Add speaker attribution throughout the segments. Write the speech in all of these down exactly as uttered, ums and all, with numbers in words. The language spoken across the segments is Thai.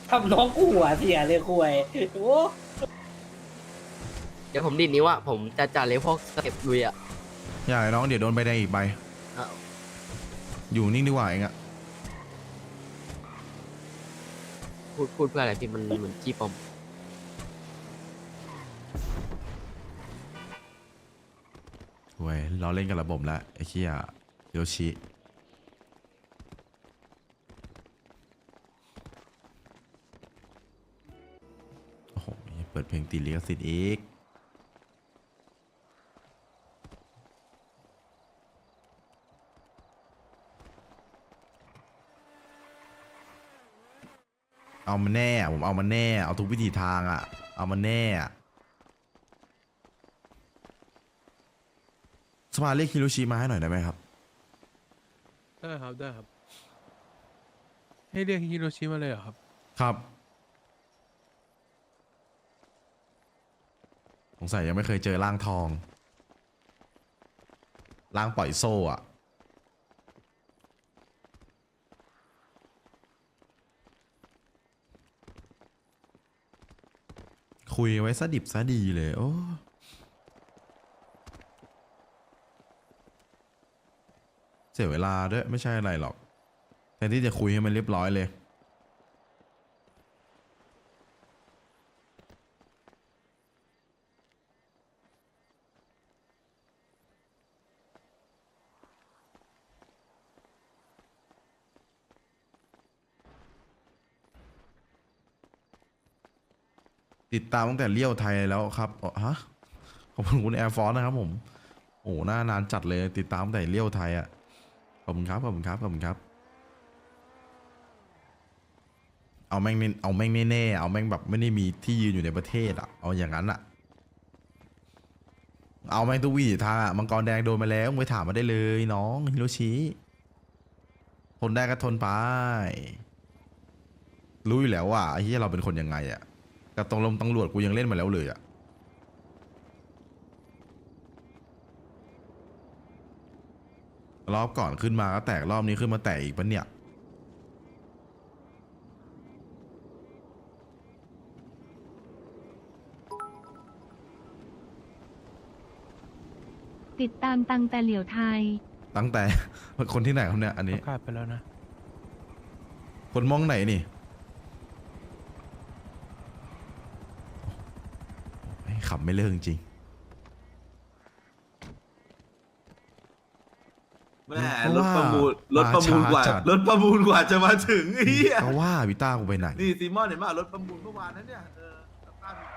Speaker 1: ทำน้องกูหัวเสียเลยคุยโอ้
Speaker 2: เดี๋ยวผมดิดนิ้วอะผมจะจ่าเลยพวกเก็บลุยอะ
Speaker 3: อย่าน้องเดี๋ยวโดนใบแดงอีกใบ
Speaker 2: อ้าว
Speaker 3: อยู่นิ่งดีกว่าเองอะ
Speaker 2: พูดพูดเพื่ออะไรพี่มันเหมือนขี้ปอม
Speaker 3: เว้ยเราเล่นกับระบบแล้วไอ้เหี้ยฮิโรชิโอ้โหเปิดเพลงติดลิขสิทธิ์อีกเอามาแน่ผมเอามาแน่เอาทุกวิธีทางอะเอามาแน่สภาเรียกฮิโรชิมาให้หน่อยได้ไหมครับ
Speaker 4: ได้ครับได้ครับ ให้เรียกฮิโรชิมาเลยเหรอครับ
Speaker 3: ครับสงสัยยังไม่เคยเจอร่างทองร่างปล่อยโซ่อะคุยไว้ซะดิบซะดีเลยโอ้เสียเวลาด้วยไม่ใช่อะไรหรอกแทนที่จะคุยให้มันเรียบร้อยเลย ติดตามตั้งแต่เลี้ยวไทยแล้วครับอ๋อฮะขอบคุณคุณแอร์ฟอร์นะครับผม โอ้หน้านานจัดเลยติดตามตั้งแต่เลี้ยวไทยอ่ะขอบคุณครับขอบคุณครับขอบคุณครับ เอาแม่งเน้นเอาแม่งแน่ๆเอาแม่งแบบไม่ได้มีที่ยืนอยู่ในประเทศอ่ะเอาอย่างนั้นอ่ะเอาแม่งทุกวี่ทางอ่ะมังกรแดงโดนมาแล้วมึงไปถามมาได้เลยน้องฮิโรชิทนได้ก็ทนไปรู้อยู่แล้วว่าไอ้ที่เราเป็นคนยังไงอ่ะกับตรงลมตำรวจกูยังเล่นมาแล้วเลยอ่ะรอบก่อนขึ้นมาก็แตกรอบนี้ขึ้นมาแตกอีกปะเนี่ย
Speaker 5: ติดตามตังแต่เหลียวไทย
Speaker 3: ตั้งแต่ คนที่ไหนครับเนี่ยอัน
Speaker 4: ป
Speaker 3: นี้
Speaker 4: ระกาศไปแล้วนะ
Speaker 3: คนมองไหนนี่โอ้ยขับไม่เลิกจริง
Speaker 6: แม่รถประมูลรถประมูลกว่ารถประมูลกว่าจะมาถึงไอ้เหี้ย
Speaker 3: ก็ว่าวิต้ากูไปไหน
Speaker 6: นี่ซีมอนเห็นป่ะรถประมูลเมื่อวานนั้นเนี่ยเออสภาพ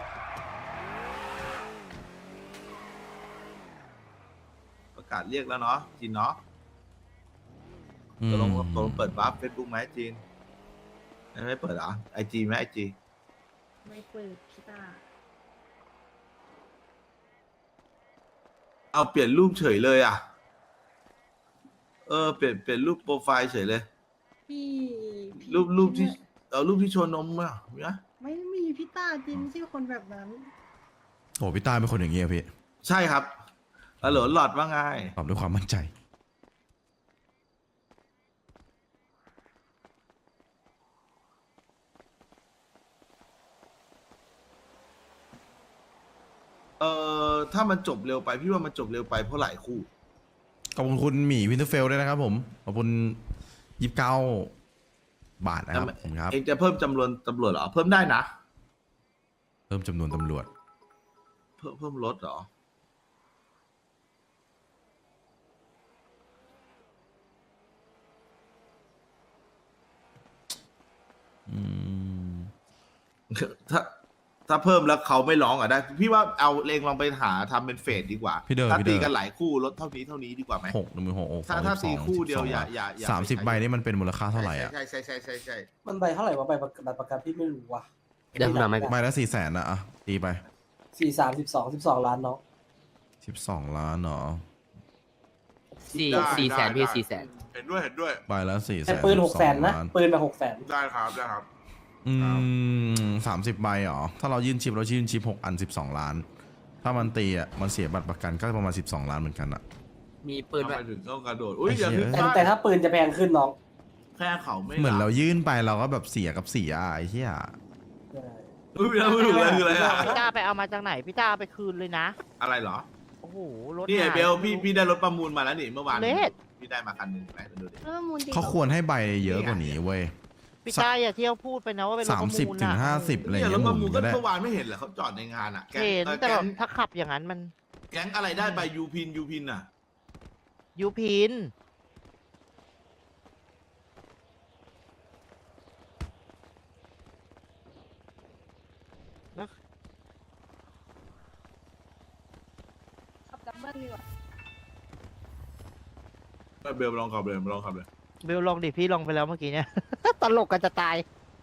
Speaker 6: ประกาศเรียกแล้วเนาะจีนเนาะ
Speaker 3: อืม
Speaker 6: ตกลงตกลงเปิดวาร์ปเฟซบุ๊กไหมจีนไม่เปิดเหรอไอจีไหมไอจี
Speaker 7: ไม่เปิดพี่ตา
Speaker 6: เอาเปลี่ยนรูปเฉยเลยอ่ะเออเปลี่ยนเปลี่ยนรูปโปรไฟล์เฉยเลย
Speaker 7: พี่พี่
Speaker 6: รูปรูปที่
Speaker 7: พี่
Speaker 6: เอารูปที่โชว์นมอ่ะมีไหม
Speaker 7: ไม่มีพี่ตาจริงไม่ใช่คนแบบนั้น
Speaker 3: โอ้พี่ต้าเป็นคนอย่างเงี้ยพี่
Speaker 6: ใช่ครับฮัลโหลหลอดว่าไง
Speaker 3: ตอบด้วยความมั่นใจ
Speaker 6: เออถ้ามันจบเร็วไปพี่ว่ามันจบเร็วไปเพราะหลายคู่
Speaker 3: ขอบคุณคุณหมีวินเทอร์เฟลด้วยนะครับผม ขอบคุณยี่สิบเก้าบาทนะครับผมครับ
Speaker 6: เองจะเพิ่มจำนวนตำรวจเหรอ เพิ่มได้นะ
Speaker 3: เพิ่มจำนวนตำรวจ
Speaker 6: เพิ่มเพิ่มลดเหรอ
Speaker 3: อืม
Speaker 6: ถ้าถ้าเพิ่มแล้วเขาไม่ร้องอ่ะได้ พี่ว่าเอาเลงลองไปหาทำเป็นเฟสดีกว่า
Speaker 3: พี่เดิน
Speaker 6: ถ้า
Speaker 3: พี่เดิ
Speaker 6: ตี
Speaker 3: น
Speaker 6: กันหลายคู่ลดเท่านี้เท่านี้ดีกว่าไหม
Speaker 3: หกหนึ่งหมื่นหกโอ้
Speaker 6: ถ้าถ้าตีคู่เดียวอย่าอย่าอย่า
Speaker 3: สามสิบ
Speaker 6: ไปใช้
Speaker 3: ใบนี่มันเป็นมูลค่าเท่าไหร่อ่ะ
Speaker 6: ใช่ใช่ใช่ใช่ใช่
Speaker 1: มันใบเท่าไหร่วะใบประกันประกันพี่ไม่รู้ว่ะ
Speaker 2: เดี๋ยวผมหาไม่
Speaker 3: ใบละสี่แสนนะอ่ะตีไป
Speaker 1: สี่สามสิบสองสิบสองล้านเนาะ
Speaker 3: สิบสองล้านเนาะ
Speaker 2: สี่
Speaker 6: ได้
Speaker 2: สี่แสน
Speaker 6: ได้
Speaker 2: พี่
Speaker 6: ได้
Speaker 2: สี่แสน
Speaker 6: เห็นด้วยเห็นด้วย
Speaker 3: ใบละสี่แส
Speaker 1: แต่
Speaker 3: น
Speaker 1: ปืนหกแสนนะ
Speaker 3: ล้าน
Speaker 1: ปืนมาหกแสน
Speaker 6: ได้ครับได้ครับ
Speaker 3: อืมสามสิบใบเหรอ ถ้าเรายื่นชิปเรายื่นชิปหกอันสิบสองล้าน ถ้ามันตีอ่ะ มันเสียบัตรประกันก็ประมาณสิบสองล้านเหมือนกันอ่ะ
Speaker 2: มีปืน
Speaker 6: ทำ
Speaker 2: ไว้
Speaker 6: ไมถึงต้องกระโดด อุ้ยอย่า
Speaker 3: ไอ้เหี้
Speaker 6: พึ่
Speaker 3: ย
Speaker 6: ง
Speaker 1: แต่
Speaker 6: พลาด
Speaker 1: แต่ถ้าปืนจะแพงขึ้นน้อง
Speaker 6: แค่เขาไม่
Speaker 3: เหมือนเรา
Speaker 6: บ
Speaker 3: ยื่นไปเราก็แบบเสียกับเสียอ่ะไอ้เหี้ย
Speaker 1: ใช่
Speaker 6: อุ้ยแล้วไม่ถูกเลยคืออะไรอ่ะ
Speaker 8: พี่ต้าไปเอามาจากไหนพี่ต้าเอาไปคืนเลยนะ
Speaker 6: อะไรเหรอ
Speaker 8: โอ้โหรถ
Speaker 6: นี่ไอ้
Speaker 8: หาย
Speaker 6: เบลพี่พี่ได้รถประมูลมาแล้วนี่เมื่อวาน
Speaker 8: เลส
Speaker 6: พี่ได้มาคันหนึ่งไหนมาดูดิ
Speaker 7: แล้วมูลจริง
Speaker 3: เขาควรให้ใบเยอะกว่านี้เว้ย
Speaker 8: พี่ต้าอย่าเที่ยวพูดไปนะว่าเป็นรถ
Speaker 3: สา
Speaker 8: ป
Speaker 3: ม
Speaker 8: ระ
Speaker 3: สิบ
Speaker 8: มูล
Speaker 3: ถึง
Speaker 8: อะ
Speaker 3: ห้าสิบอะไร
Speaker 6: เนี่ยร
Speaker 3: เงี้
Speaker 6: ถ
Speaker 3: ย
Speaker 6: ประ
Speaker 3: ห
Speaker 6: มู
Speaker 3: มุ
Speaker 6: ล
Speaker 3: น
Speaker 6: ก็
Speaker 3: ก็ได้
Speaker 6: เมื่อวานไม่เห็นเหรอเขาจอดในงานอ่ะแก๊ง
Speaker 8: เห็น
Speaker 6: เออ
Speaker 8: แต่
Speaker 6: แก๊
Speaker 8: แบบ
Speaker 6: ง
Speaker 8: ถ้าขับอย่างนั้นมัน
Speaker 6: แก๊งอะไรได้ใบยูพินยูพินอ่ะ
Speaker 8: ยูพิน
Speaker 7: ขับดับเบิ้ลดีกว่า
Speaker 6: เบลลองขับเลยลองขับเลย
Speaker 8: เบลลองดิพี่ลองไปแล้วเมื่อกี้เนี่ย ตลกกันจะตาย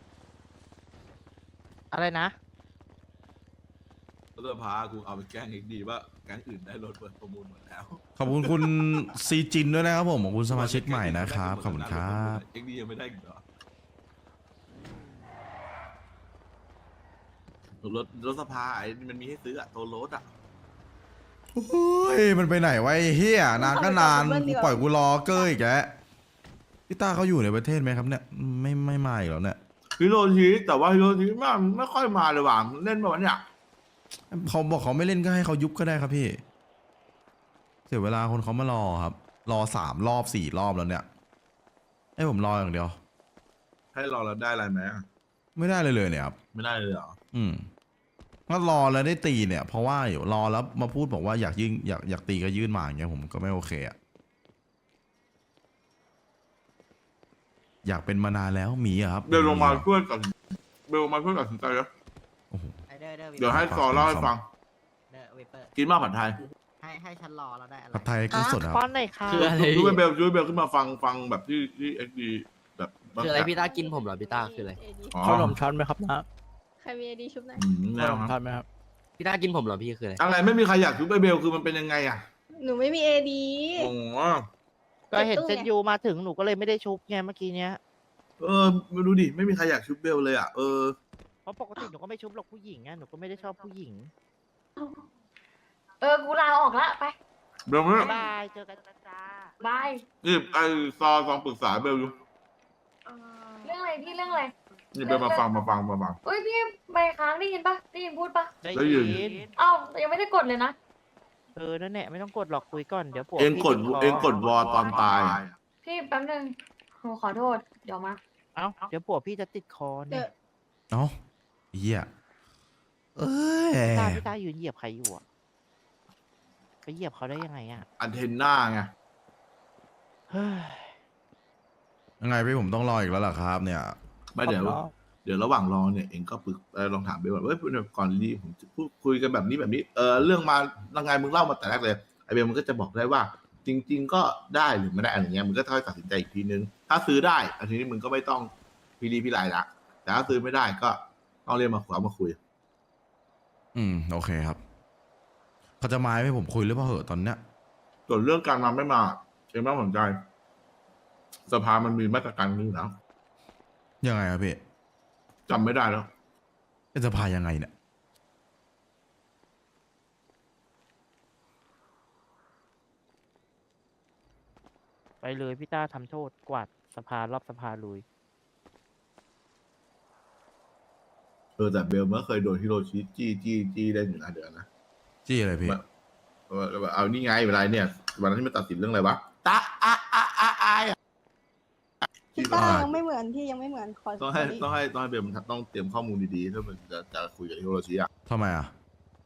Speaker 8: อะไรนะ
Speaker 6: รถสภากูเอาไปแกล้งอีกดีว่าแก๊งอื่นได้รถเปิดประมูลหมดแล้ว
Speaker 3: ขอบคุณคุณซีจินด้วยนะครับผมขอบคุณสมาชิกใหม่นะครับขอบคุณครับ
Speaker 6: เอ็กดียังไม่ได้อีกเหรอรถรถสภาไอ้มันมีให้ซื้ออะตัวรถอะ
Speaker 3: เฮ้ยมันไปไหนวะไอ้เฮียนานก็นานกูปล่อยกูรอเกอร์อีกแกพี่ต้าเขาอยู่ในประเทศไหมครับเนี่ยไม่ไม่มาอีกแล้วเนี่ย
Speaker 6: ฮิโรชิแต่ว่าฮิโรชิไม่ไม่ค่อยมาเลยว่ะเล่นมาวันเนี้ย
Speaker 3: เขาบอกเขาไม่เล่นก็ให้เขายุบก็ได้ครับพี่เสียเวลาคนเขามารอครับ รอสามรอบสี่รอบแล้วเนี่ยให้ผมรออย่างเดียว
Speaker 6: ให้รอเราได้อะไรไหมอะ
Speaker 3: ไม่ได้เลยเลยเนี่ยครับ
Speaker 6: ไม่ได้เลยเหรอ
Speaker 3: อืมก็รอแล้วได้ตีเนี่ย เพราะว่าอยู่รอแล้วมาพูดบอกว่าอยากยื่นอยากอยากตีก็ยื่นมาอย่างเงี้ยผมก็ไม่โอเคอะอยากเป็นมานานแล้วหมีอะครับ
Speaker 6: เบลลงมาช่วยกันเบลลงมาช่วยตัดสินใจแล้วเดี๋ยวให้ซอเล่าให้ฟัง
Speaker 8: เดอะเวเปอร์
Speaker 6: กินมากผัดไทย
Speaker 8: ให้ให้ฉันรอแล้วได้อะไร
Speaker 3: ผัดไทยกุ้งสดครับ
Speaker 8: ป้อนหน่อยค่ะ
Speaker 2: คืออะไร
Speaker 6: ช่วย
Speaker 2: พี่
Speaker 6: เบลช่วยเบลขึ้นมาฟังฟังแบบที่ที่เอ็กดีแบบ
Speaker 2: คืออะไรพี่ต้ากินผมเหรอพี่ต้าคืออะไร
Speaker 6: อ๋อ
Speaker 4: ขนมช้อนไหมครับนะ
Speaker 7: ใครมีไอดีชุบไหนอย
Speaker 6: อืม
Speaker 4: ข
Speaker 6: แนวน
Speaker 4: ม
Speaker 6: ครับ
Speaker 4: ช้อนไหมครับ
Speaker 2: พี่ต้ากินผมเหรอพี่คืออะไร
Speaker 6: อะไรไม่มีใครอยากชุบไอเบลคือมันเป็นยังไงอะ
Speaker 7: หนูไม่มีเอดี
Speaker 6: โอ้โห
Speaker 8: ก็เห็นเซนยูมาถึงหนูก็เลยไม่ได้ชุบไงเมื่อกี้เนี้ย
Speaker 6: เออไม่รู้ดิไม่มีใครอยากชุบเบลเลยอะเออ
Speaker 8: เพราะปกติหนูก็ไม่ชุบหรอกผู้หญิงไงหนูก็ไม่ได้ชอบผู้หญิง
Speaker 9: เออ กูลาออกละไป
Speaker 6: เบลไม่
Speaker 8: บ๊ายบายเจอกันนะจ้า
Speaker 9: บาย
Speaker 6: นี่ไอซอลองปรึกษาเบลอยู่
Speaker 9: เรื่องอะไรพี่เรื่องอะไร
Speaker 6: นี่เบลมาฟังมาฟังมาฟัง
Speaker 9: เอ้ยพี่ใบค้างได้ยินปะได้ยินพูดปะ
Speaker 8: ได้
Speaker 6: ได้ยิน
Speaker 8: ยิน
Speaker 9: เอ้ายังไม่ได้กดเลยนะ
Speaker 8: เออนั่นแหละไม่ต้องกดหรอกคุยก่อนเดี๋ยวปวด
Speaker 6: เองกด
Speaker 8: พี่ติค
Speaker 6: เองกดวอตอนตายอะ
Speaker 9: พี่แป๊บนึงหนูขอโทษ เดี๋ยวมา
Speaker 8: เอ้าเดี๋ยวปวดพี่จะติดคอ
Speaker 7: เดี๋
Speaker 8: เนี่ย
Speaker 7: วย
Speaker 3: เอ้าเหี้ยเอ้ย
Speaker 8: ตาพี่ตายืนเหยียบใครอยู่อะไปเหยียบเขาได้ยังไงอะ
Speaker 6: อันเทนน่าไง
Speaker 8: เฮ้ย
Speaker 3: ยังไงพี่ผมต้องรออีกแล้วล่ะครับ เนี่ย
Speaker 6: ไม่เดี๋ยว เดี๋ยวระหว่างรอเนี่ยเองก็ปรึกเออลองถามเบลก่อนเว้ยก่อนรีผมจะพูดคุยกันแบบนี้แบบนี้เออเรื่องมายังไงมึงเล่ามาแต่แรกเลยไอเบลมันก็จะบอกได้ว่า จริง ๆ ก็ได้หรือไม่ได้อะไรเงี้ยมึงก็ค่อยตัดสินใจอีกทีนึง ถ้าซื้อได้อันนี้มึงก็ไม่ต้องพิรีพิไรละแต่ถ้าซื้อไม่ได้ก็ต้องเรียกมาขวามาคุย
Speaker 3: อืมโอเคครับเขาจะมาให้ผมคุยหรือเปล่าเหอะตอนเนี้ย
Speaker 6: ส่วนเรื่องการมาไม่มาเองไม่ต้องสนใจ สภามันมีมาตรการนี้อยู่แล้ว
Speaker 3: ยังไงครับพี่
Speaker 6: จำไม่ได้แล้ว
Speaker 3: เป็นสภายังไงเนี่ย
Speaker 8: ไปเลยพี่ต้าทำโทษกวาดสภารอบสภาลุย
Speaker 6: เออแต่เบลเมื่อเคยโดนฮิโรชิจี้จี้จี้ได้หนึ่งอันเดือนนะ
Speaker 3: จี้อะไรพี่
Speaker 6: เออเอานี่ไงเวลาเนี่ยวันนั้นที่มันตัดสินเรื่องอะไรวะตาอะอะอะอะอะ
Speaker 7: พี่ต้ายังไม่เหมือนพี่ยังไม่เหมือนขอ
Speaker 6: ต้องให้ต้องให้ต้องให้เบลมันต้องเตรียมข้อมูลดีๆถ้ามันจะจะคุยกับฮิโรชิอ่ะ
Speaker 3: ทำไมอ่ะ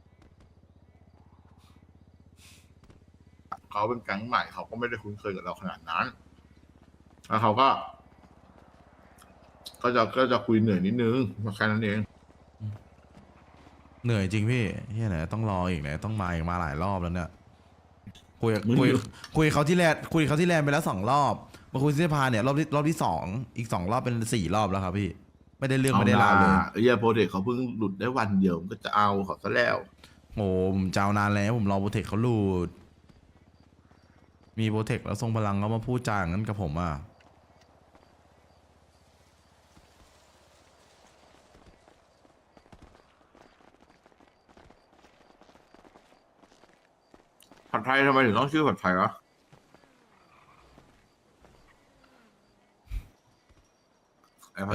Speaker 6: เขาเป็นแก๊งใหม่เขาก็ไม่ได้คุ้นเคยกับเราขนาดนั้นแล้วเขาก็ ก็จะก็จะคุยเหนื่อยนิดนึงแค่นั้นเอง
Speaker 3: เหนื่อยจริงพี่เฮียไหนต้องรออีกไหนต้องมาอีกมาหลายรอบแล้วเนี่ยคุย
Speaker 6: มึง
Speaker 3: คุย
Speaker 6: อยู่
Speaker 3: คุยเขาที่แลนคุยเขาที่แลนไปแล้วสองรอบมาคุยที่สภาเนี่ยรอบที่รอบที่สองอีกสองรอบเป็นสี่รอบแล้วครับพี่ไม่ได้เรื่องไม่ได้ราวเลย
Speaker 6: ไอ้เหี้ยโปรเจกต์เขาเพิ่งหลุดได้วันเดียวมันก็จะเอาเขาซะแล้ว
Speaker 3: โอ้ผมเจ้านานแล้วผมรอโปรเทคเขาหลุดมีโปรเทคแล้วทรงพลังเขามาพูดจาอย่างนั้นกับผมอ่ะ
Speaker 6: ผัดไทยทำไมถึงต้องชื่อผัดไทยวะ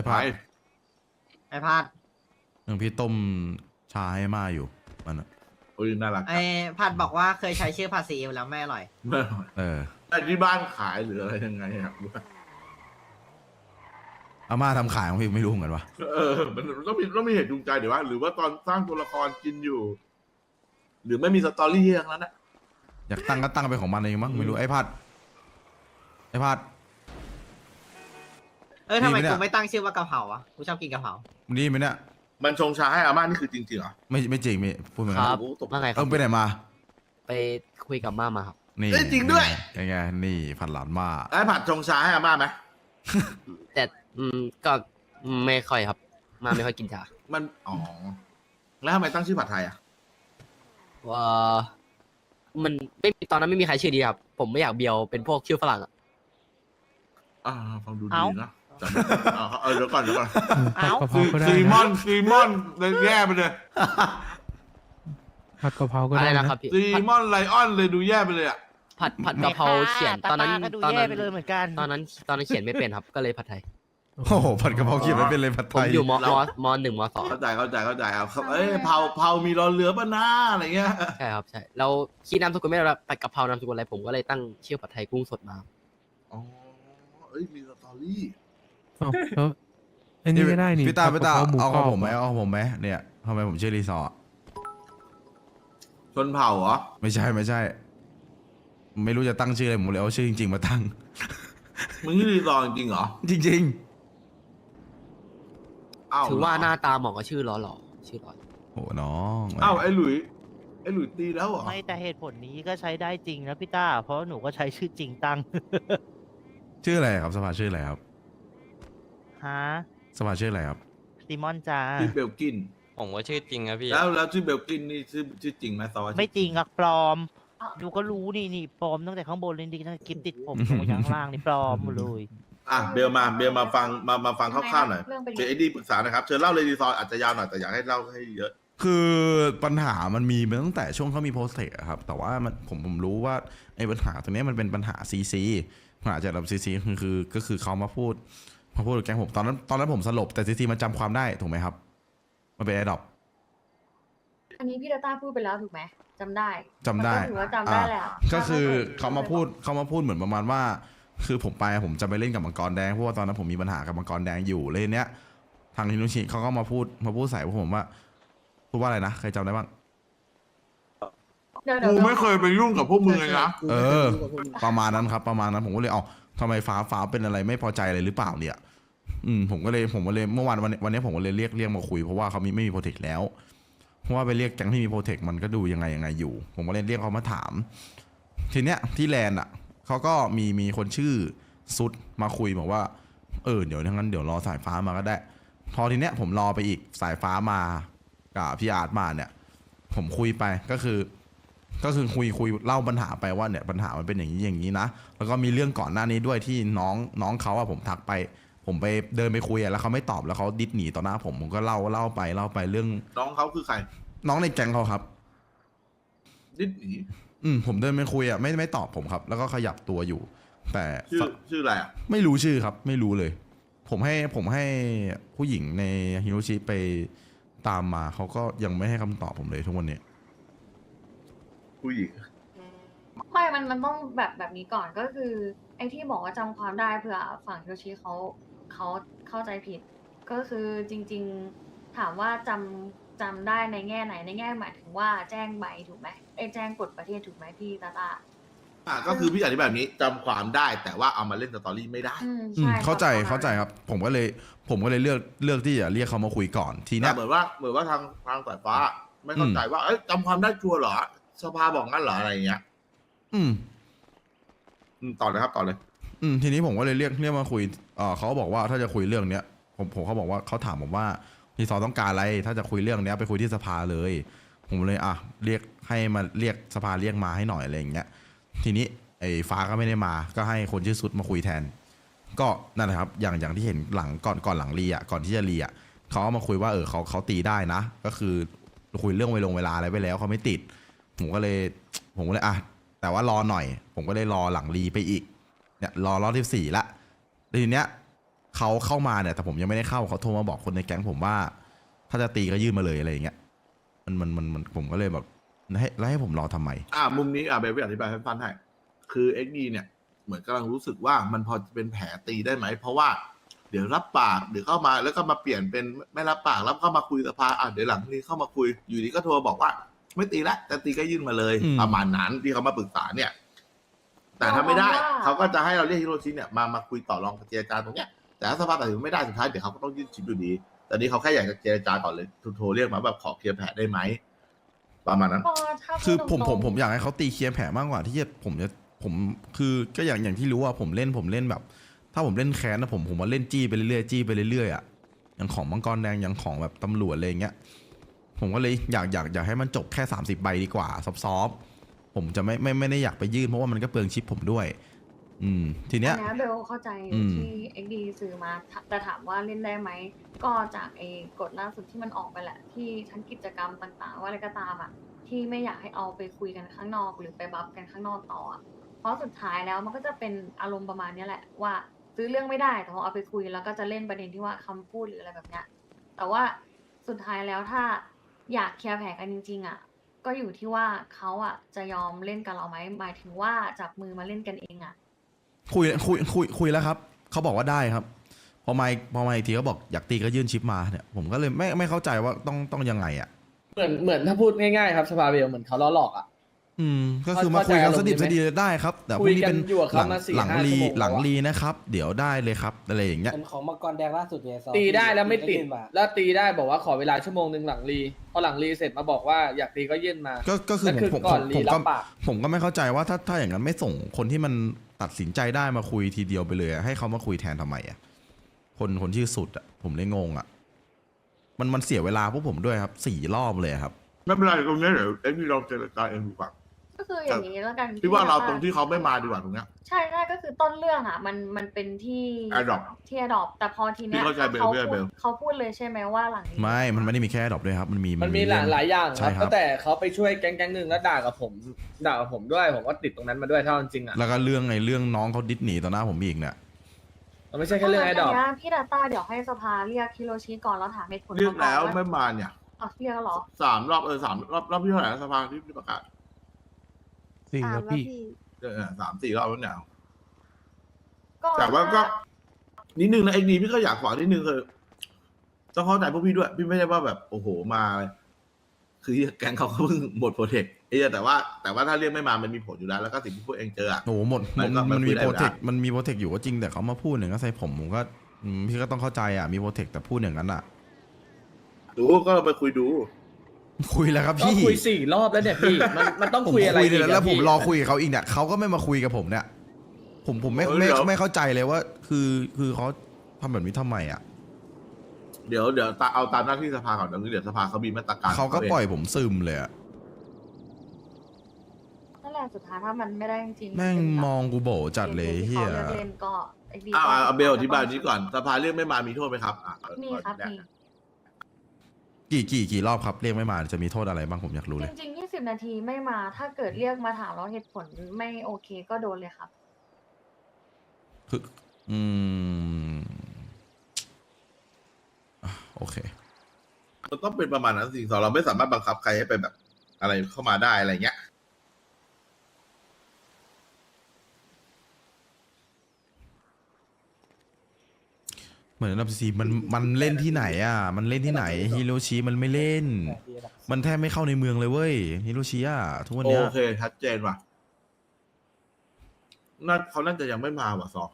Speaker 3: พา
Speaker 6: ไป
Speaker 10: ไอ้พาด
Speaker 3: หนึ่งพี่ต้มชาให้มาอยู่มันอะ
Speaker 6: โอ้ยน่ารัก
Speaker 10: ไอ้พาดบอกว่าเคยใช้ชื่อภาษีอยู่แล้วไม่อร่อย
Speaker 6: ไม่อร่อย
Speaker 3: เออ
Speaker 6: แต่ที่บ้านขายหรืออะไรยังไงครับ
Speaker 3: อาม่าทำขายของพี่ไม่รู้เหมือนกันวะ
Speaker 6: เออมันต้องมีต้องมีเหตุจูงใจเดี๋ยวว่า หรือว่าตอนสร้างตัวละครกินอยู่ หรือไม่มีสตอรี่อย่างนั้นนะ
Speaker 3: อยากตั้งก็ตั้งไปของมันเองมั้งไม่รู้ไอ้พัดไอ้พัด
Speaker 10: เออทำไม
Speaker 3: ดีไหมเนี่ย
Speaker 10: กูไม่ตั้งชื่อว่ากะเพราอ่ะกูชอบกินกะเพรา
Speaker 3: ดีไหมเนี่ย
Speaker 6: มันชงชาให้อาม่านี่คือจริงๆเหรอ
Speaker 3: ไม่ไม่จริงไม่พูดเหมือน
Speaker 2: ค
Speaker 3: กัน
Speaker 2: รับ
Speaker 6: โอ้โหตก
Speaker 2: ว่าไงค
Speaker 3: เอ
Speaker 2: รับ
Speaker 3: อไปไหนมา
Speaker 2: ไปคุยกับม่ามาครับ
Speaker 3: นี่
Speaker 6: เอ้ยจริงด้วย
Speaker 3: ยังไงนี่ผัดหลานมา
Speaker 6: ไอ้ผัดชงชาให้อาม่าไหม
Speaker 2: แต่อืมก็ไม่ค่อยครับ มาไม่ค่อยกินชา
Speaker 6: มันอ๋อแล้วทำไมตั้งชื่อผัดไทยอ่ะ
Speaker 2: ว่ามันไม่มีตอนนั้นไม่มีใครชื่อดีครับ ผมไม่อยากเบียวเป็นพวกชื่อฝรั่งอะ
Speaker 6: อ่าฟังดู
Speaker 8: เอ้า
Speaker 6: ดีนะจำไม่ได้เอาเอาเดี๋ยวก่อนเดี๋ยวก่อน
Speaker 4: ผัดกะเพรา
Speaker 6: ซี
Speaker 4: ก็ได้
Speaker 6: ซีมอ
Speaker 4: นะ
Speaker 6: นซีมอนเลยแย่ไปเลย
Speaker 4: ผัดกะเพราก็
Speaker 2: อะไร
Speaker 4: ได้
Speaker 2: นะ
Speaker 4: นะครับ
Speaker 2: พี่
Speaker 6: ซี
Speaker 2: ผัด
Speaker 6: มอนไลออนเลยดูแย่ไปเลยอ่ะ
Speaker 2: ผัดผัดกะเพราเขียนตอนนั้น
Speaker 8: ก็ดู
Speaker 2: ตอน
Speaker 8: แย่
Speaker 2: นั้น
Speaker 8: ไปเลยเหมือนกัน
Speaker 2: ตอนนั้นตอนนั้นเขียนไม่เป็นครับ ก็เลยผัดไทย
Speaker 3: โอ้โหผัดกะเพราเขียนไม่เป็นเลยผัด
Speaker 2: ผ
Speaker 3: ไท
Speaker 2: ม
Speaker 3: ย
Speaker 2: อยู่มมมหนึ่งมสอง
Speaker 6: เข้าใจเข้าใจเข้าใจเอาครับเอ้ยเผาเผามีรอเรือป่ะนะอะไรเงี้ย
Speaker 2: ใช่ครับใช่เราคิดนามสกุลไม่ได้แล้วผัดกะเพรานามสกุลอะไรผมก็เลยตั้งชื่อผัดไทยกุ้งสดมา
Speaker 6: อ๋อเอ้ยมีสตอรี่
Speaker 4: เอ้าแล้วอันนี้ก็ได้นี่
Speaker 3: พี่ตาพี่ตา
Speaker 4: ผัดกะพรหมู
Speaker 3: เอา
Speaker 4: ก
Speaker 3: ข
Speaker 4: ร
Speaker 3: อง
Speaker 4: อบ
Speaker 3: ผมไหมเอาของผมไหมเนี่ยทำไมผมชื่อรีสอร์ท
Speaker 6: ชนเผ่าเหรอ
Speaker 3: ไม่ใช่ไม่ใช่ ไม่รู้จะตั้งชื่ออะไรผมเลยเอาชื่อจริงๆมาตั้ง
Speaker 6: มึงนี่รีซอร์จริงๆเหรอ
Speaker 3: จริง
Speaker 6: อ้าว
Speaker 2: ถือว่า
Speaker 6: เร
Speaker 2: หน้าตาเหมาะกับชื่อหล่อหล่อๆชื่อหล่อ
Speaker 3: ๆโอ้น้อง
Speaker 6: อ้าวไอ้หลุยไอ้หลุยตีแล้วเหรอ
Speaker 8: ไม่แต่เหตุผลนี้ก็ใช้ได้จริงนะพี่ต้า เพราะหนูก็ใช้ชื่อจริงตั้ง
Speaker 3: ชื่ออะไรครับสภาชื่ออะไรครับ
Speaker 8: ฮะ
Speaker 3: สภาชื่ออะไรครับ
Speaker 8: ซีมอนจ้า
Speaker 6: ชื่อเบลกิน
Speaker 2: ผมว่าชื่อจริงครับพี่
Speaker 6: แล้วแล้วชื่อเบลกินนี่ชื่อชื่อจริงไหมซอ
Speaker 8: ไม่จริงอะปลอม ดูก็รู้นี่นี่ปลอมตั้งแต่ข้างบนเลยดิตั้งแต่คลิปติดผมลงมาข้างล่างนี่ปลอมหมดเลย
Speaker 6: อ่ะเบลมาเบลมาฟังมามาฟังคร่าวๆหน่อย
Speaker 9: เรื่องเป็น
Speaker 6: เบลไอดีปรึกษานะครับเชิญเล่าเลยรีซอร์อาจจะยาวหน่อยแต่อยากให้เล่าให้เยอะ
Speaker 3: คือปัญหามันมีมาตั้งแต่ช่วงเขามีโพสเทคอะครับ แต่ว่ามันผมผมรู้ว่าไอ้ปัญหาตรงเนี้ยมันเป็นปัญหาซีซีปัญหาจากระดับซีซีคือคือก็คือเขามาพูดมาพูดกับแก๊งผมตอนนั้นตอนนั้นผมสลบแต่ซีซีมันจำความได้ถูกไหมครับมันเป็นไอดอป
Speaker 9: อันนี้พี่ดาต้าพูดไปแล้วถูกไหมจำได้
Speaker 3: จำได้
Speaker 9: มันก็ถือว่าจำได้แหละ
Speaker 3: อ่ะก็คือเขามาพูดเขามาพูดเหมือนประมาณว่า คือผมไปผมจะไปเล่นกับมังกรแดงเพราะว่าตอนนั้นผมมีปัญหากับมังกรแดงอยู่เลยเนี้ยทางฮินุชิเขาก็มาพูดมาพูดใส่พวกผมว่าพูดว่าอะไรนะใครจำได้บ้าง
Speaker 9: เดี๋ยวเดี๋ย
Speaker 6: กู
Speaker 9: ว
Speaker 6: ไม่เคยไปยุ่งกับพวกมึงเลยนะ
Speaker 3: เออ ประมาณนั้นครับประมาณนั้นผมก็เลยเอาทำไมฟ้าฟ้าเป็นอะไรไม่พอใจอะไรหรือเปล่าเนี่ย อืมผมก็เลยผมก็เลยเมื่อวานวันวันนี้ผมก็เลยเรียกเรียกมาคุยเพราะว่าเขามีไม่มีโปรเทคแล้วเพราะว่าไปเรียกแก๊งที่มีโปรเทคมันก็ดูยังไงยังไงอยู่ ผมก็เลยเรียกเขามาถาม ทีเนี้ยที่แลนด์อ่ะเขาก็มีมีคนชื่อซุดมาคุยบอกว่าเออเดี๋ยวงั้นเดี๋ยวรอสายฟ้ามาก็ได้ พอทีเนี้ยผมรอไปอีกสายฟ้ามากับพี่อาร์ตมาเนี่ย ผมคุยไปก็คือ ก็คือคุยคุยเล่าปัญหาไปว่าเนี่ยปัญหามันเป็นอย่างนี้อย่างนี้นะแล้วก็มีเรื่องก่อนหน้านี้ด้วยที่น้องน้องเขาอะผมทักไป ผมไปเดินไปคุยอะแล้วเขาไม่ตอบแล้วเขาดิสหนีต่อหน้าผมผมก็เล่าเล่าไปเล่าไปเรื่อง
Speaker 6: น้องเขาคือใคร
Speaker 3: น้องในแก๊งเขาครับ
Speaker 6: ดิสหนี
Speaker 3: อืมผมเดินไปคุยอะไม่ไม่ตอบผมครับ แล้วก็ขยับตัวอยู่ แต่
Speaker 6: ชื่อชื่ออะไรอ่ะ
Speaker 3: ไม่รู้ชื่อครับ ไม่รู้เลย ผมให้ผมให้ผู้หญิงในฮิโรชิไปตามมาเขาก็ยังไม่ให้คำตอบผมเลยทุกวันนี้
Speaker 6: ผู้หญิง
Speaker 9: ไม่มันมันต้องแบบแบบนี้ก่อนก็คือ ไอ้ที่บอกว่าจำความได้เผื่อฝั่งโยชิเขาเขาเข้าใจผิด ก็คือจริง ๆถามว่าจำจำได้ในแง่ไหนในแง่หมายถึงว่าแจ้งใบถูกไหมไอ้แจ้งกฎประเทศถูกไหมพี่ตาตา
Speaker 6: อ่ะก็คือพี่อธิบายแบบนี้จำความได้แต่ว่าเอามาเล่นสตอรี่ไม่ได้
Speaker 9: อืม
Speaker 3: อืม
Speaker 9: ใช่
Speaker 3: เข้าใจ
Speaker 9: ประมณ
Speaker 3: เข้าใจครับ ผมก็เลยผมก็เลยเลือกเลือกที่จะเรียกเขามาคุยก่อนทีเนี้
Speaker 6: แต่
Speaker 3: ย
Speaker 6: เหมือนว่าเหมือนว่าทางทางสายฟ้า ไม่เข้าใจว่าเอ้ยจำความได้ชัวร์เหรอสภาบอกงั้นเหรออะไรอย่างเงี้ย
Speaker 3: อืม
Speaker 6: อืมต่อเลยครับต่อเลย
Speaker 3: อืมทีนี้ผมก็เลยเรียกเรียกมาคุยเอ่อเขาบอกว่าถ้าจะคุยเรื่องเนี้ยผมผมเขาบอกว่าเขาถามผมว่ารีซอร์ต้องการอะไร ถ้าจะคุยเรื่องเนี้ยไปคุยที่สภาเลย ผมเลยอ่ะเรียกให้มาเรียกสภาเรียกมาให้หน่อยอะไรอย่างเงี้ย ทีนี้ไอ้ฟ้าก็ไม่ได้มา ก็ให้คนชื่อสุดมาคุยแทน ก็นั่นแหละครับ อย่างอย่างที่เห็นหลังก่อนก่อนหลังรีอ่ะก่อนที่จะรีอ่ะเขาเอามาคุยว่าเออเขาเขาตีได้นะ ก็คือคุยเรื่องเวลงเวลาอะไรไปแล้วเขาไม่ติด ผมก็เลย ผมก็เลยอ่ะแต่ว่ารอหน่อย ผมก็เลยรอหลังรีไปอีก เนี่ยรอรอบที่สี่ละแล้วทีเนี้ยเขาเข้ามาเนี่ยแต่ผมยังไม่ได้เข้าเขาโทรมาบอกคนในแก๊งผมว่า ถ้าจะตีก็ยื่นมาเลยอะไรอย่างเงี้ยมันมันมันมันผมก็เลยแบบให้แล้วให้ผมรอทำไม
Speaker 6: อ่ามุมนี้อ่าเบลพี่อธิบายให้ฟังให้คือเอ็กดีเนี่ยเหมือนกำลังรู้สึกว่ามันพอจะเป็นแผลตีได้ไหมเพราะว่าเดี๋ยวรับปากเดี๋ยวเข้ามาแล้วก็มาเปลี่ยนเป็นไม่รับปากแล้วก็มาคุยสภาอ่ะเดี๋ยวหลังนี้เข้ามาคุยอยู่ดีก็โทรบอกว่า ไม่ตีละแต่ตีก็ยื่นมาเลย
Speaker 3: อืม
Speaker 6: ประมาณนั้นที่เขามาปรึกษาเนี่ย แต่ถ้าไม่ได้
Speaker 9: เรามองว่า
Speaker 6: เขาก็จะให้เราเรียกฮิโรชิเนี่ยมามาคุยต่อรองเจรจาตรงเนี้ยแต่ถ้าสภาตัดสินไม่ได้สุดท้ายเดี๋ยวเขาก็ต้องยื่นชิปอยู่ดีตอนนี้เขาแค่อยากจะเจรจาก่อนเลยโทรเรียกมาแบบขอเคลียร์แผลได้ไหมประมาณนั้น
Speaker 9: ก็ถ้าพูด
Speaker 3: คือผม
Speaker 9: ต
Speaker 3: ผ
Speaker 9: ร
Speaker 3: ม
Speaker 9: งๆ
Speaker 3: ผมอยากให้เขาตีเคลียร์แผลมากกว่าที่จะผมจะผมคือก็อย่างอย่างที่รู้ว่าผมเล่นผมเล่นแบบ ถ้าผมเล่นแค้นนะผมผมมาเล่นจี้ไปเรื่อยๆจี้ไปเรื่อยๆอ่ะอย่างของมังกรแดงอย่างของแบบตำรวจอะไรอย่างเงี้ยผมก็เลยอยากอยากอยากให้มันจบแค่สามสิบใบดีกว่าซอฟๆผมจะไม่ไม่ไม่ได้อยากไปยื่นเพราะว่ามันก็เปลืองชิปผมด้วย อืมทีเนี้ย
Speaker 9: อันเนี้ยเบลเข้าใจ
Speaker 3: อืม
Speaker 9: ที่ เอ็กซ์ ดี ซื้อมาถ้าแต่ถามว่าเล่นได้ไหม ก็จากไอ้กฎล่าสุดที่มันออกไปแหละ ที่ทั้งกิจกรรมต่างๆ ว่าอะไรก็ตามอ่ะ ที่ไม่อยากให้เอาไปคุยกันข้างนอก หรือไปบัฟกันข้างนอกต่ออะเพราะสุดท้ายแล้วมันก็จะเป็นอารมณ์ประมาณเนี้ยแหละว่าซื้อเรื่องไม่ได้แต่พอเอาไปคุยแล้วก็จะเล่นประเด็นที่ว่าคำพูดหรืออะไรแบบเนี้ยแต่ว่าสุดท้ายแล้วถ้าอยากเคลียร์แผลกันจริงๆอ่ะ ก็อยู่ที่ว่าเขาอ่ะจะยอมเล่นกับเราไหมหมายถึงว่าจับมือมาเล่นกันเองอ่ะ
Speaker 3: คุยคุยคุยคุยแล้วครับเขาบอกว่าได้ครับพอมาพอมาอีกทีเขาบอกอยากตีก็ยื่นชิปมาเนี่ยผมก็เลยไม่ไม่เข้าใจว่าต้องต้องยังไงอ่ะ
Speaker 1: เหมือนเหมือนถ้าพูดง่ายๆครับสภาเบลเหมือนเขาล้อหลอกอ่ะ
Speaker 3: อืมก็คือมาคุยกันสดิบสดีได้ครับ แต่พรุ่งนี้เป็น
Speaker 1: คุยกันอยู่กับ
Speaker 3: ห
Speaker 1: เขา
Speaker 3: ลัง
Speaker 1: มาสี่
Speaker 3: หลัง
Speaker 1: ห้า
Speaker 3: รี
Speaker 1: ชั่วโมง
Speaker 3: หลัง
Speaker 1: แล้วอะ
Speaker 3: รีนะครับ เดี๋ยวได้เลยครับอะไรอย่างเงี้ย
Speaker 1: เป็นของมังกรแดงล่าสุดเนี่ยซอ
Speaker 11: ตีได้แล้วไม่ติด
Speaker 1: ยื่นมา
Speaker 11: แล้วตีได้บอกว่าขอเวลาชั่วโมงหนึ่งหลังรีพอหลังรีเสร็จมาบอกว่าอยากตีก็ยื่นมา
Speaker 3: ก็ก็คือ
Speaker 11: นั่น
Speaker 3: ผม
Speaker 11: คือ
Speaker 3: ผม
Speaker 11: ก่อน
Speaker 3: ผม
Speaker 11: รี
Speaker 3: ผม
Speaker 11: รั
Speaker 3: ก็
Speaker 11: บปาก
Speaker 3: ผมก็ไม่เข้าใจว่าถ้าถ้าอย่างนั้นไม่ส่งคนที่มันตัดสินใจได้มาคุยทีเดียวไปเลยอะให้เขามาคุยแทนทำไมอ่ะคนคนชื่อสุดอ่ะผมเลยงงอ่ะมันมันเสียเวลาพวกผมด้วยครับสี่รอบเลยครับ
Speaker 6: ไม่เป็นไรตรงนี้เดี๋ยวเอ็กซ์ดีลองเจรจาเองดีกว่า
Speaker 9: ก็คืออย่างนี้แล้วกัน
Speaker 6: พี่ว่าเราตรงที่เขาไม่มาดีกว่าตรงเนี้ย
Speaker 9: ใช่ใช่ก็คือต้นเรื่องอ่ะ มันมันเป็นที่
Speaker 6: Adopt
Speaker 9: ที่ Adopt แต่พอทีเนี้ย
Speaker 6: พี่เข้าใจเบล
Speaker 9: เขา
Speaker 6: พี่เข้าใจ
Speaker 9: พู
Speaker 6: เบ
Speaker 9: ด
Speaker 6: ล
Speaker 9: เขาพูดเลยใช่ไหมว่าหลังนี้
Speaker 3: ไม่ มันไม่ได้มีแค่ดรอปด้วยครับ มันมี
Speaker 11: มันมีหลาย
Speaker 3: เรื่อง
Speaker 11: หลายอย่างค
Speaker 3: ใช่
Speaker 11: รับ
Speaker 3: ครับ
Speaker 11: ตั้งแต่เขาไปช่วยแก๊งแก๊งหนึ่งแล้วด่ากับผมด่ากับผมด้วยผมก็ติดตรงนั้นมาด้วยเท่าจริงๆอ่ะ
Speaker 3: แล้วก็เรื่องไอ้เรื่องน้องเขาดิสหนีต่อหน้าผมอีกเนี่ย
Speaker 11: มันไม่ใช่แค่เรื่องไอ้ดอก
Speaker 9: นนี้พี่ดาต้าเดี๋ยวให้สภาเรียกฮิโรชิก่อนแล้วถามเหตุผล
Speaker 6: เรียกแล้ว
Speaker 9: เขาก่อน
Speaker 6: ไม่
Speaker 9: ว่า
Speaker 6: มาเนี่ย
Speaker 9: อ๋อเรียกแล้วเหรอ
Speaker 6: สามรอบเออสามรอบรอบที่เท่าไหร่นะสภาที่ประกาศ
Speaker 4: สี่
Speaker 7: ตาม
Speaker 4: ครับ
Speaker 7: แล้ว
Speaker 4: พี่
Speaker 7: พี่
Speaker 6: เออสามสี่รอบแล้วเนี่ย
Speaker 9: ก็
Speaker 6: แต่ว่าก็นิดนึงนะเอ็กดีพี่ก็อยากฝากนิดนึงคือต้องเข้าใจพวกพี่ด้วย พี่ไม่ได้ว่าแบบโอ้โหมา คือแก๊งเขาก็เพิ่งหมดโปรเทคไอ้เหี้ยแต่ว่าแต่ว่าถ้าเรียกไม่มามันมีผลอยู่แล้วแล้วก็สิ่งที่พวกเองเจออะ
Speaker 3: โอ้โหหมด
Speaker 6: มันก็
Speaker 3: มัน
Speaker 6: มันคุ
Speaker 3: มี
Speaker 6: ยได้
Speaker 3: โปรเทค
Speaker 6: อยู่แล้ว
Speaker 3: มันมีโปรเทคอยู่ก็จริงแต่เขามาพูดอย่างนั้นใส่ผมผมก็อืมพี่ก็ต้องเข้าใจอ่ะมีโปรเทคแต่พูดอย่างนั้นอ่ะ
Speaker 6: ดูก็ไปคุยดู
Speaker 3: คุยแล้วครับ
Speaker 11: ก็
Speaker 3: พี่
Speaker 11: คุยสี่รอบแล้วเนี่ยพี่มันมันต้อง
Speaker 3: ผม
Speaker 11: คุยอะไร
Speaker 3: คุย
Speaker 11: อีก
Speaker 3: แล้ว
Speaker 11: อะ
Speaker 3: แล้วผม
Speaker 11: พี่
Speaker 3: รอคุยกับเขาอีกเนี่ยเขาก็ไม่มาคุยกับผมเนี่ย ผมผมไม่
Speaker 6: เออ
Speaker 3: ไม่
Speaker 6: เดี๋ยว
Speaker 3: ไม่เข้าใจเลยว่า คือคือเขาทำแบบนี้ทำไมอ่ะ
Speaker 6: เดี๋ยวเดี๋ยวตาเอาตามหน้าที่สภาก่อนเดี๋ยวเดี๋ยวสภาเขามีมาตรการ
Speaker 3: เขาก็
Speaker 6: ง
Speaker 3: ปล่อยผมซึมเลยอ่ะ
Speaker 9: นั่นแหละสุดท้ายถ้ามันไม่ได้จริงๆ
Speaker 3: แม่ง
Speaker 9: เป็นแบบ
Speaker 3: มองกูโบจัดเลย
Speaker 9: ที่
Speaker 3: เฮีย
Speaker 9: เขาเลือกเล่นก็ไอ้ดี
Speaker 6: อ่า
Speaker 9: ก็
Speaker 6: อ่าเบลอธิบายนี้ก่อนสภาเรียกไม่มามีโทษไหมครับอ่ะ
Speaker 9: มีครับมี
Speaker 3: กี่กี่กี่รอบครับเรียกไม่มาจะมีโทษอะไรบ้างผมอยากรู้
Speaker 9: จ
Speaker 3: เลย
Speaker 9: ริงๆยี่สิบนาทีไม่มา ถ้าเกิดเรียกมาถามแล้วเหตุผลไม่โอเคก็โดนเลยครับ
Speaker 3: คืออืมอ่ะโอเค
Speaker 6: มันต้องเป็นประมาณนั้นสิสองเราไม่สามารถบังคับใครให้ไปแบบ อะไรเข้ามาได้อะไรเงี้ย
Speaker 3: เหมือนอันดับสี่มันมันเล่นที่ไหนอ่ะ มันเล่นที่ไหนฮิโรชิมันไม่เล่น มันแทบไม่เข้าในเมืองเลยเว้ยฮิโรชิอ่ะทุกวันเนี้ย
Speaker 6: โอเคชัดเจนว่ะน่าเขาน่าจะยังไม่มาว่ะซอ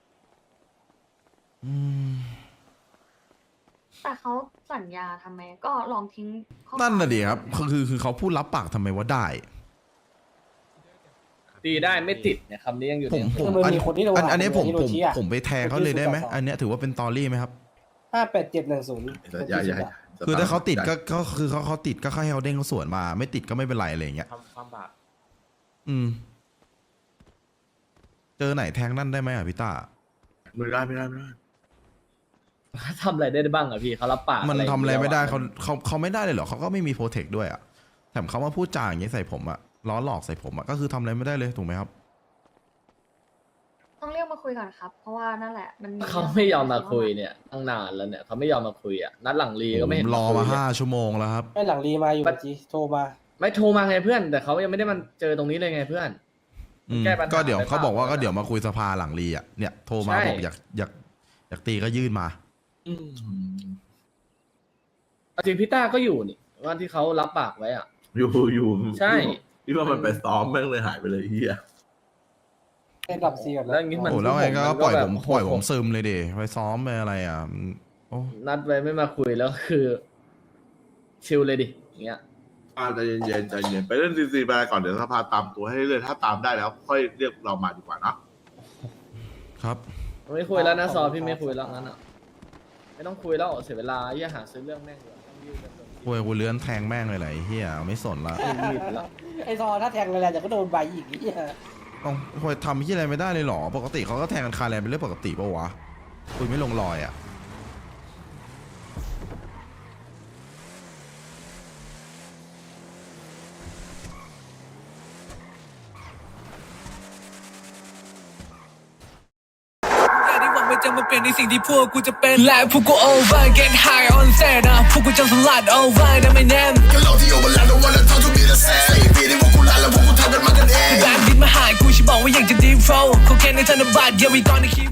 Speaker 3: อืม
Speaker 9: แต่เขาสัญญาทำไมก็ลองทิ้งข้อ
Speaker 3: นั่นน่ะ
Speaker 9: ความ
Speaker 3: ดิครับคือคือคือเขาพูดรับปากทำไมว่าได้
Speaker 11: ตีได้ไม่ติดเนี่ยคำนี้ยังอยู่
Speaker 3: ผ
Speaker 11: ใน
Speaker 3: มผม
Speaker 1: มัน
Speaker 3: อัน
Speaker 1: มีคนที่โดน
Speaker 3: อันอันนี้ผม
Speaker 1: ฮิโร
Speaker 3: ผม
Speaker 1: ชิอะ
Speaker 3: ผมไปแทงเขาเลยได้ไหม
Speaker 1: คนที่
Speaker 3: อันเนี้ยถือว่าเป็นตอรี่ไหมครับ
Speaker 1: ห้าแปดเจ็ดหนึ่งศูนย์
Speaker 6: อย่าอย่า
Speaker 3: คือถ้าเขาติดก็ก็คือเขาเขาติดก็ให้เขาเด้งเขาสวนมา ไม่ติดก็ไม่เป็นไรอะไรอย่างเงี้ย
Speaker 11: ความบาป
Speaker 3: อืม เจอไหนแทงนั่นได้ไหมอ่ะพี่ต้า
Speaker 6: ไม่ได้ไม่ได้ไม่ได้
Speaker 11: ทำอะไรได้บ้างอะพี่เขารับปาก
Speaker 3: มันทำอะไรไม่ได้เขา
Speaker 11: แล้วอะ
Speaker 3: เขาเขาไม่ได้เลยเหรอเขาก็ไม่มีโปรเทคด้วยอ่ะแถมเขามาพูดจาอย่างเงี้ยใส่ผมอ่ะล้อหลอกใส่ผมอ่ะก็คือทำอะไรไม่ได้เลยถูกไหมครับ
Speaker 9: ต้องเรียกมาคุยก่อนครับ เพราะว่านั่นแหละมัน
Speaker 11: เขาไม่ยอมมาคุยเนี่ยตั้งนานแล้วเนี่ยเขาไม่ยอมมาคุยอ่ะนัดหลังรีก็ไม่เห็น
Speaker 3: ผมรอ
Speaker 11: คุ
Speaker 3: มาย
Speaker 11: เนี่ย
Speaker 3: ห้าชั่วโมงแล้วครับ
Speaker 1: ไม่หลังรีมาอยู่จีโทรมา
Speaker 11: ไม่โทรมาไงเพื่อน แต่เขายังไม่ได้มาเจอตรงนี้เลยไงเพื่อน
Speaker 3: อืม
Speaker 11: แก้ปัญหา
Speaker 3: ก็เดี๋ยว
Speaker 11: ไปเปล่า
Speaker 3: เขาบอกว่าก็เดี๋ยวมาคุยสภาหลังรีอ่ะเนี่ยโทรมา
Speaker 11: ใช่
Speaker 3: บอกอยากอยากอยากตีก็ยื่นมา
Speaker 11: อืมเอาจริงพี่ต้าก็อยู่นี่วันที่เขารับปากไว้อ่ะ
Speaker 6: อยู่อยู่
Speaker 11: ใช่
Speaker 6: พี่ว่ามันไปซ้อมแม่งเลยหายไปเลยเฮีย
Speaker 1: ให้ดับซีก่อน
Speaker 11: แล้วอย่างงี้มัน
Speaker 3: โอ้แล้วไงก็
Speaker 11: มัน
Speaker 3: ปล่อย
Speaker 11: แบบ
Speaker 3: ผมปล่อยผมซึมเลยเดไปซ้อมไปอะไรอ่ะโอ้
Speaker 11: นัดไว้ไม่มาคุยแล้วคือ ชิลเลยดิอย่างเงี้ย
Speaker 6: อ่าใจเย็นๆใจเย็นไปเล่นซีซีไปก่อนเดี๋ยวสภาตามตัวให้เรื่อยๆถ้าตามได้แล้ว ค่อยเรียกเรามาดีกว่าเนอะ
Speaker 3: ครับ
Speaker 11: ไม่คุยแล้วนะซอพี่ไม่คุยแล้วงั้นอ่ะไม่ต้องคุยแล้วเสียเวลาอย่าหาซื้อเรื่องแม่งเลยต้องยืดกันจน
Speaker 3: โวยกูเลื้อนแทงแม่งเลยไหลเฮียไม่สนละ
Speaker 11: ยืดไปแล้ว
Speaker 1: ไอซอถ้าแทงอะไรเดี๋ยวก็โดนใบอีกนี่
Speaker 3: ต้องโวยทำที่อะไรไม่ได้เลยเหรอปกติเขาก็แทงกันคาแรนเป็นเรื่องปกติปะวะคุยไม่ลงรอยอ่ะ
Speaker 12: ที่หวังว่าจะมาเปลี่ยนในสิ่งที่พวกกูจะเป็นและพวกกู over get high on set นะพวกกูจะสลัด over นะไม่แน่ก็เราที่ over แล้ว don't wanna talk to me the same สี่ปีที่พวกกูลาแล้วพวกกูทำกันมากันเองแบงค์ดินมาหากูฉันบอกว่าอยากจะ deep flow เขาแค่ในธนบัตร yeah we gonna keep